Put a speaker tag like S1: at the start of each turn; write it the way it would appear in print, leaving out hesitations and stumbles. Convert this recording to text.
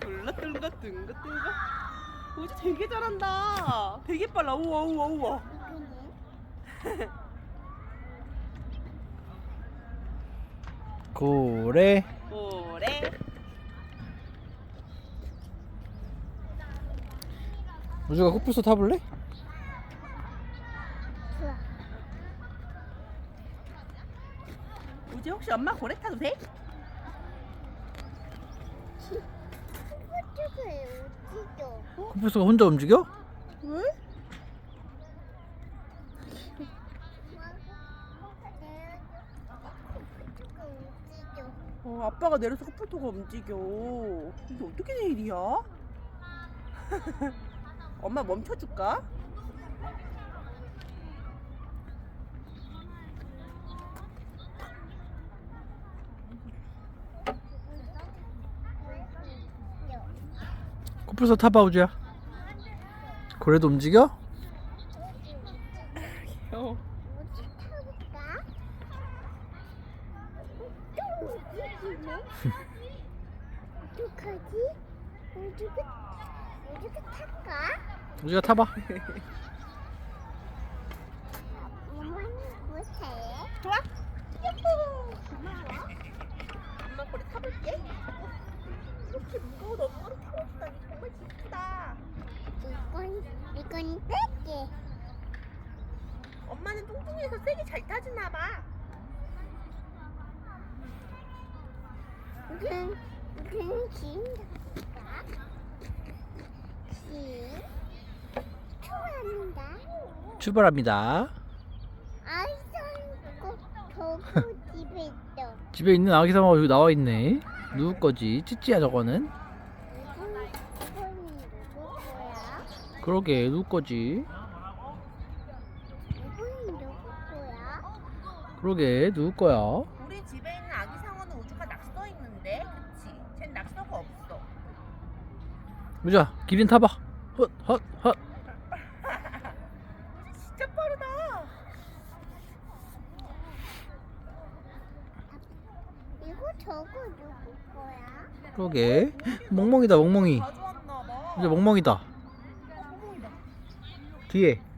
S1: 둥긋둥긋 둥긋둥긋. 우지 되게 잘한다. 되게 빨라. 우와 우와 우와.
S2: 고래.
S1: 고래.
S2: 우주가 코뿔소 타볼래?
S3: 좋아.
S1: 우지 혹시 엄마 고래 타도 돼?
S3: 저쪽에 어디죠?
S2: 코뿔소가 혼자 움직여?
S1: 왜? 아빠가 내려서 코뿔소가 움직여. 이게 어떻게 된 일이야? 엄마 멈춰줄까?
S2: 코뿔소 타봐 우주야. 고래도 움직여?
S1: 어.
S3: 어디 타볼까? 또 움직이네? 어떡하지? 우주가 탈까?
S2: 우주가 타봐.
S3: 엄마는 못해.
S1: 좋아? 야호! 고마워. 엄마 고래 타볼게. 이렇게 무거운 엄마를 태워주다니 정말 기쁘다.
S3: 이건 뺄게.
S1: 엄마는 뚱뚱해서 세게 잘 타주나 봐.
S3: 우주는 지금 탈까? 좋아합니다.
S2: 출발합니다.
S3: 아이고, 저거 집에 있어.
S2: 집에 있는 아기 상어가 여기 나와 있네. 누구 거지? 찌찌야 저거는?
S3: 이건 누구 거야?
S2: 그러게 누구 거지?
S3: 이건 누구 거야?
S2: 그러게 누구 거야?
S1: 우리 집에 있는 아기 상어는 우주가 낙서 있는데, 그치? 쟨 낙서가 없어.
S2: 우주야 기린 타봐. 헛.
S1: 진짜 빠르다.
S3: 이거 저거 누구 거야?
S2: 그러게 멍멍이다 멍멍이.
S1: 가져왔나 봐.
S2: 이제 멍멍이다.
S1: 멍멍이다.
S2: 뒤에